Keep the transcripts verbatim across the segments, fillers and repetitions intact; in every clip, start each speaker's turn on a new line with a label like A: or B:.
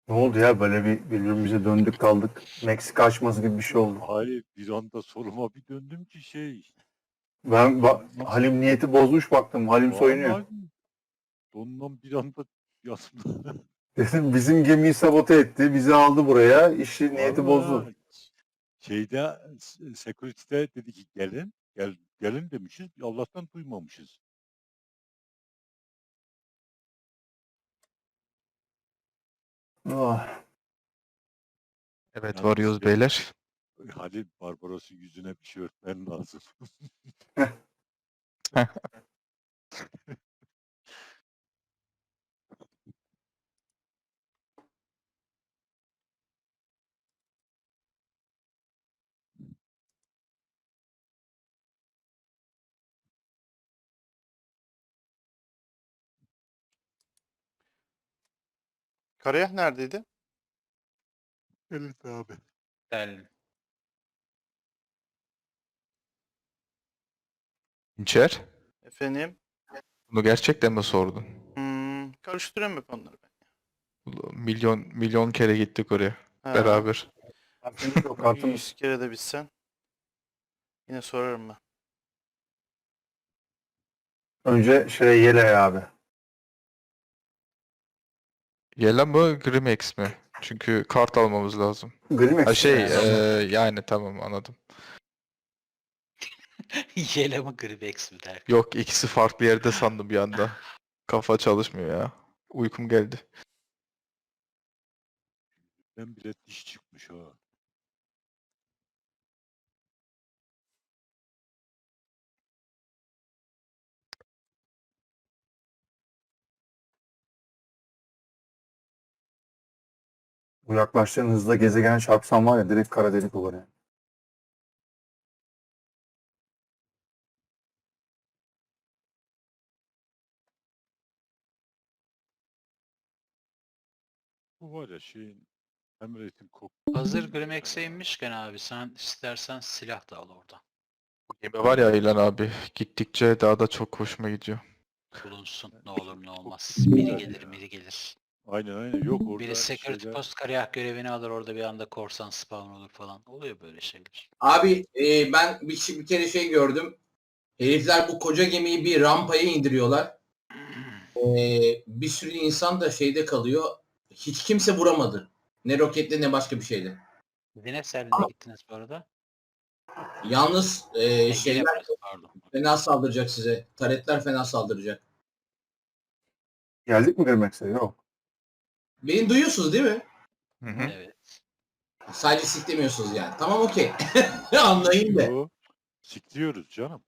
A: Ne oldu ya böyle bir birbirimize döndük kaldık. Meksika açması gibi bir şey oldu.
B: Hayır, bir anda soruma bir döndüm ki şey.
A: Ben ba-
B: Dondan,
A: Halim niyeti bozmuş baktım. Halim soyunuyor.
B: vallahi dondan bir anda yanımda.
A: Dedim bizim gemiyi sabote etti. Bizi aldı buraya. İşi niyeti bozdu.
B: Vallahi şeyde s- security'de dedi ki gelin. Gel, gelin demişiz. Allah'tan duymamışız.
A: Ah,
C: Evet
B: Yalnız
C: varıyoruz
B: şey,
C: beyler.
B: Halil Barbaros'un yüzüne bir şey örtmen lazım.
D: Karayah neredeydi?
B: Evet abi.
E: Del.
C: İnçer,
D: Efendim?
C: bunu gerçekten mi sordun?
D: Hmm, karıştırıyorum hep onları ben.
C: Milyon milyon kere gittik oraya
D: Ha,
C: beraber.
A: kartımız yok kartımız.
D: yüz kere de bitsen yine sorarım ben.
A: Önce şey Yele abi.
C: Yela mı Grimex mi? Çünkü kart almamız lazım.
A: Grimex.
C: Ha şey
A: yani.
C: eee, yani tamam anladım.
E: Yele mi Gribex mi der.
C: Yok ikisi farklı yerde sandım bir anda. Kafa çalışmıyor ya. Uykum geldi.
B: Ben bile diş çıkmış ha.
A: Bu yaklaştığın hızla gezegen çarpsan var ya direkt kara delik olur yani.
B: Bu var ya şeyin Emret'in kok.
E: Hazır Grimex'e inmişken abi sen istersen silah da al oradan.
C: Gemi var ya İlan abi gittikçe daha da çok hoşuma gidiyor.
E: Bulunsun ne olur ne olmaz.
B: güzel
E: Biri
B: ya.
E: gelir biri gelir.
B: Aynen aynen. Yok orada
E: Biri security
B: şeyler.
E: post kariyah görevini alır orada bir anda korsan spawn olur falan. Oluyor böyle şeyler.
F: Abi e, ben bir, şey- bir kere şey gördüm. Herifler bu koca gemiyi bir rampaya indiriyorlar. E, bir sürü insan da şeyde kalıyor. Hiç kimse vuramadı. Ne roketle ne başka bir şeyle.
E: Dine Selvi'ne gittiniz bu arada.
F: Yalnız e,
E: Ege
F: şeyler
E: burası pardon.
F: fena saldıracak size. Taretler fena saldıracak.
A: Geldik mi Grimex'e? Yok.
F: Beni duyuyorsunuz değil mi?
C: Hı hı.
E: Evet.
F: Sadece siklemiyorsunuz yani. Tamam okey. Anlayın da.
B: Yo, sikliyoruz canım.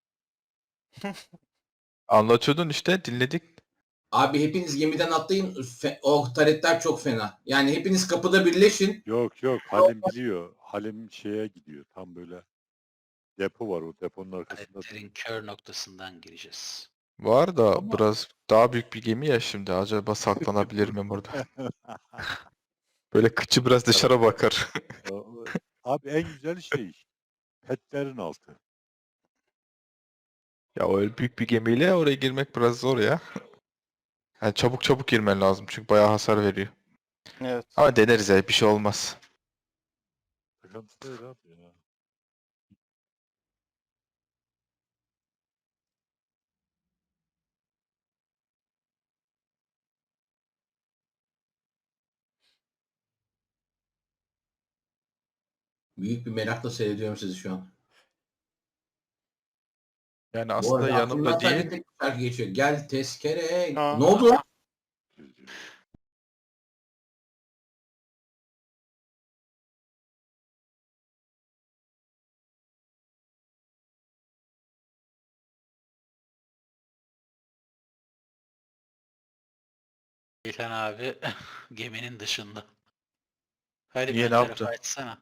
C: Anlatıyordun işte dinledik.
F: Abi hepiniz gemiden atlayın. Fe- o taretler çok fena. Yani hepiniz kapıda birleşin.
B: Yok yok Halim biliyor. Halim şeye gidiyor. Tam böyle depo var o deponun arkasında.
E: Aletlerin kör noktasından gireceğiz.
C: Var da
B: Ama-
C: biraz daha büyük bir gemi ya şimdi. Acaba saklanabilir miyim orada? Böyle kıçı biraz dışarı bakar.
B: Abi en güzel şey petlerin altı.
C: Ya öyle büyük bir gemiyle oraya girmek biraz zor ya. Yani çabuk çabuk girmen lazım çünkü bayağı hasar veriyor.
D: Evet.
C: Ama deneriz ya bir şey olmaz.
B: Sıkıntı değil abi ya.
F: Büyük bir merakla seyrediyorum sizi şu an.
C: Yani
F: Bu
C: aslında
F: arada
C: yanımda
F: aklımdan sadece
C: değil.
F: tek bir şarkı geçiyor. Gel tezkere.
D: Ha.
F: Ne oldu lan?
E: İlhan abi geminin dışında. Hadi
C: Niye,
E: ön
C: ne
E: tarafı
C: yaptı?
E: açsana.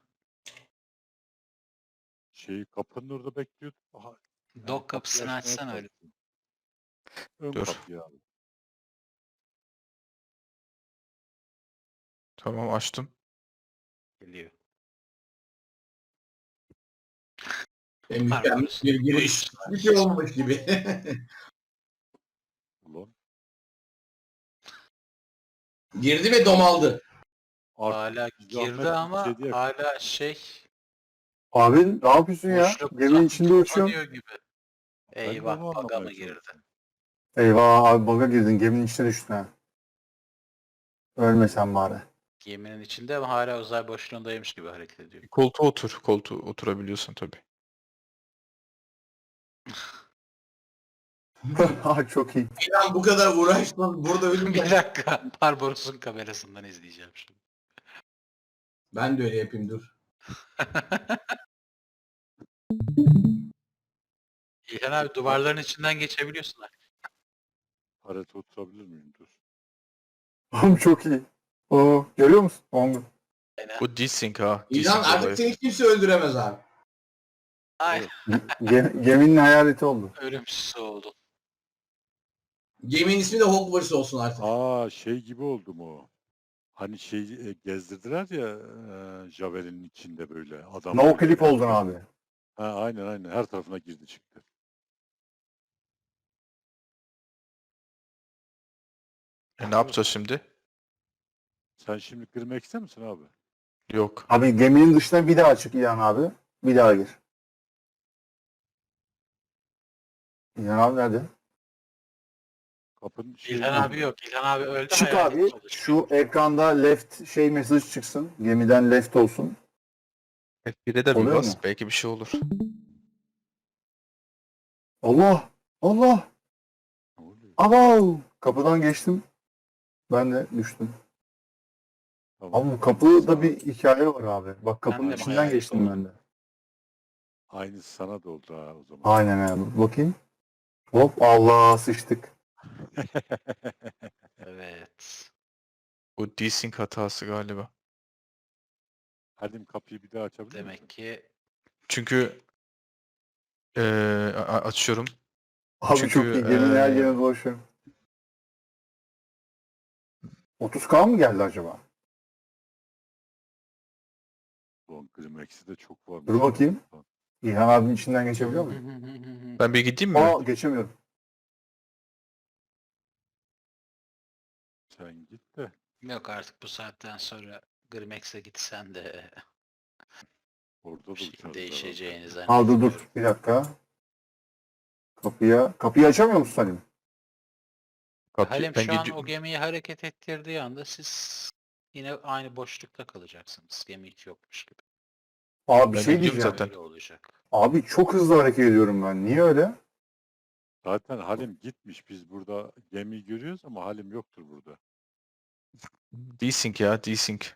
B: Şey kapının orada bekliyordum. Aha, yani
E: Dok
B: kapıyı
E: kapısını
B: açmaya
E: açsana öyle.
B: çalıştım. Ön
C: Dur.
B: kapıyı abi.
C: Tamam açtım.
E: Geliyor.
F: E, mükemmel
E: Barbaros'un
F: bir giriş. Bir şey olmamış gibi.
B: Ulan.
F: Girdi ve domaldı.
B: Artık
E: Hala
B: bir
E: girdi
B: zahmet
E: ama
B: şey diye-
E: hala şey
A: Abi ne yapıyorsun ya?
E: boşlukta
A: Geminin içinde uçuyorum.
E: kapanıyor gibi.
B: Ben de
E: Eyvah
B: onu
E: baga
B: anlamaya
E: mı girdi?
B: çalışıyorum.
A: Eyvah abi baga girdin. Geminin içine düştün ha. Ölmesen bari.
E: Geminin içinde ama hala uzay boşluğundaymış gibi hareket ediyor.
C: Koltuğa otur. Koltuğa oturabiliyorsun tabii.
A: Ha çok iyi.
F: İlhan bu kadar uğraştın. Burada ölüm.
E: Bir dakika. Barbaros'un kamerasından izleyeceğim şimdi.
F: Ben de öyle yapayım dur.
E: İlhan abi duvarların içinden geçebiliyorsun artık.
B: Parete oturabilir miyim? Dur.
A: Oğlum çok iyi. Oo, görüyor musun? Ongu.
E: Aynen.
C: Bu desync ha.
F: İlhan
C: Desync
F: artık
C: olayı.
F: seni kimse öldüremez abi.
E: Ay
A: Ge- geminin hayaleti oldu.
E: ölümsüz oldu.
F: Geminin ismi de Hogwarts olsun artık.
B: Aa şey gibi oldu mu? Hani şey e, gezdirdiler ya e, Javel'in içinde böyle adam.
A: No clip oldun abi.
B: Ha, aynen aynen her tarafına girdi çıktı.
C: E, ne yapacağız şimdi?
B: Sen şimdi girmek ister misin abi?
C: Yok.
A: Abi geminin dışına bir daha çık İlhan abi. Bir daha gir. İlhan abi nerede?
B: Kapının şey
E: İlhan abi yok. İlhan abi öldü.
A: Çık
E: hayalet
A: abi.
E: çalışıyor.
A: Şu ekranda left şey mesaj çıksın. Gemiden left olsun.
C: F bire de bir
A: Oluyor
C: bas.
A: mu?
C: Belki bir şey olur.
A: Allah! Allah!
B: Ne oluyor?
A: Abav! Kapıdan geçtim. Ben de düştüm.
B: Tamam.
A: Ama bu kapıda bir hikaye var abi. Bak kapının
E: de
A: içinden
E: hayalet
A: geçtim
E: oldum.
A: ben de.
B: Aynısı sana da oldu ha o zaman.
A: Aynen abi. Bakayım. Hop Allah sıçtık.
E: Evet.
C: Bu desync hatası galiba.
B: Halim kapıyı bir daha açabilir misin?
E: Demek ki
C: Çünkü eee, a- açıyorum.
A: Abi
C: Çünkü,
A: çok iyi. Geminin her
C: eee,
A: yerine dolaşıyorum. otuz K mı geldi acaba?
B: Ulan Grimex'i de çok varmış.
A: Dur bakayım.
B: ya.
A: İlhan abinin içinden geçebiliyor muyum?
C: Ben bir gideyim mi?
A: Aa geçemiyorum.
B: Sen git de.
E: Yok artık bu saatten sonra Grimex'e gitsen de
B: Orada da
E: bir şeyin
B: uçarız
E: değişeceğini
A: Aa dur
E: zannetmiyorum.
A: dur. Bir dakika. Kapıya. Kapıyı açamıyor musun Salim?
C: Kapı-
E: Halim
C: ben
E: şu an
C: gidiyorum.
E: o gemiyi hareket ettirdiği anda siz yine aynı boşlukta kalacaksınız. Gemi hiç yokmuş gibi.
A: Abi bir
C: Ben
A: şey
C: gidiyorum
A: diyeceğim.
C: zaten.
E: Öyle olacak.
A: Abi çok hızlı hareket ediyorum ben. Niye öyle?
B: Zaten Halim gitmiş. Biz burada gemiyi görüyoruz ama Halim yoktur burada.
C: Desync ya, desync.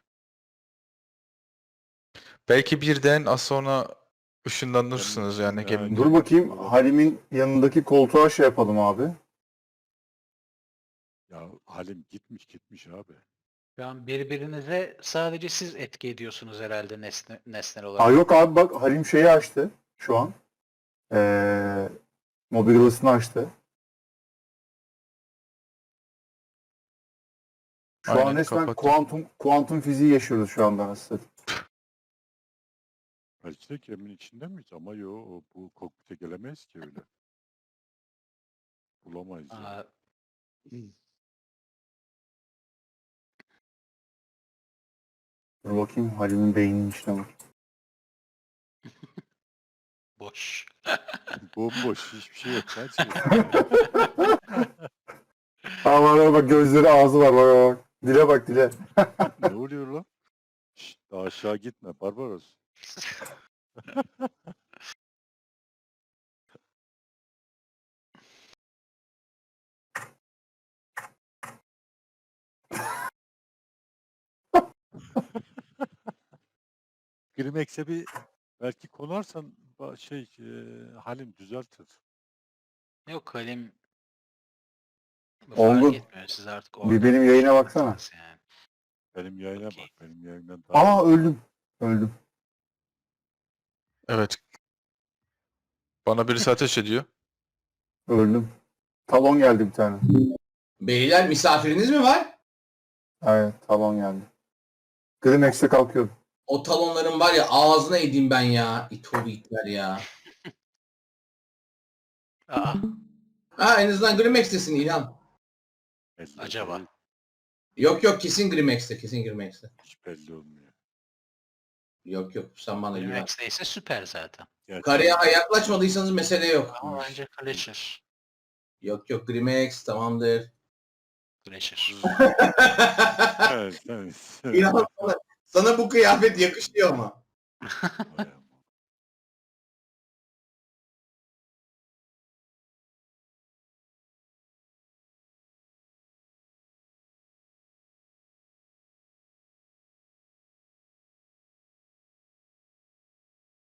C: Belki birden az sonra ışınlanırsınız yani
B: Ya,
C: geminin.
A: Dur bakayım. Halim'in yanındaki koltuğa şey yapalım abi.
B: Ya Halim gitmiş gitmiş abi.
E: Şu an birbirinize sadece siz etki ediyorsunuz herhalde nesne, nesnel
A: Aa
E: olarak.
A: yok abi bak Halim şeyi açtı şu an. Ee, mobil odasını açtı. Şu
C: Aynen,
A: an resmen
C: kapattım.
A: kuantum kuantum fiziği yaşıyoruz şu anda nasıl?
B: Belki de geminin içinde miyiz? Ama yo o- bu kokpite gelemeyiz ki öyle. Bulamayız yani.
E: Aa,
A: Dur bakayım Halim'in beyninin içine bak.
E: boş.
B: Bomboş hiçbir şey yok. Sadece
A: Aa bak bak, bak gözleri ağzı var bak bak. bak. Dile bak dile.
B: ne oluyor lan? Şşt, daha aşağı gitme Barbaros. Grimex'e bir belki konarsan ba- şey e, Halim düzeltir.
E: Yok Halim
A: Olgun.
E: fark etmiyor. Siz artık
A: Bir
E: orada
A: benim yayına baksana.
E: boşluktasınız Yani.
B: Benim yayına
E: Okey.
B: bak. Benim yayından daha
A: Aa
B: iyi.
A: öldüm. Öldüm.
C: Evet. Bana birisi ateş ediyor.
A: Öldüm. Talon geldi bir tane.
F: Beyler misafiriniz mi var?
A: Evet talon geldi. Grimex'e kalkıyorum.
F: O talonların var ya ağzına edeyim ben ya. İtoğlu itler ya.
E: Aa,
F: Ha en azından Grimex'tesin İlhan.
B: Elle
E: acaba?
B: değil.
F: Yok yok kesin Grimex'te kesin Grimex'te.
B: Hiç belli olmuyor.
F: Yok yok sen bana güven.
E: Max neyse süper zaten.
B: Gerçi-
F: Karıya yaklaşmadıysanız mesele yok.
E: Ama bence Glacier.
F: Yok yok Grimex tamamdır.
E: Glacier.
B: Evet, evet.
F: İnan sana, sana bu kıyafet yakışıyor ama.
B: Bayağı.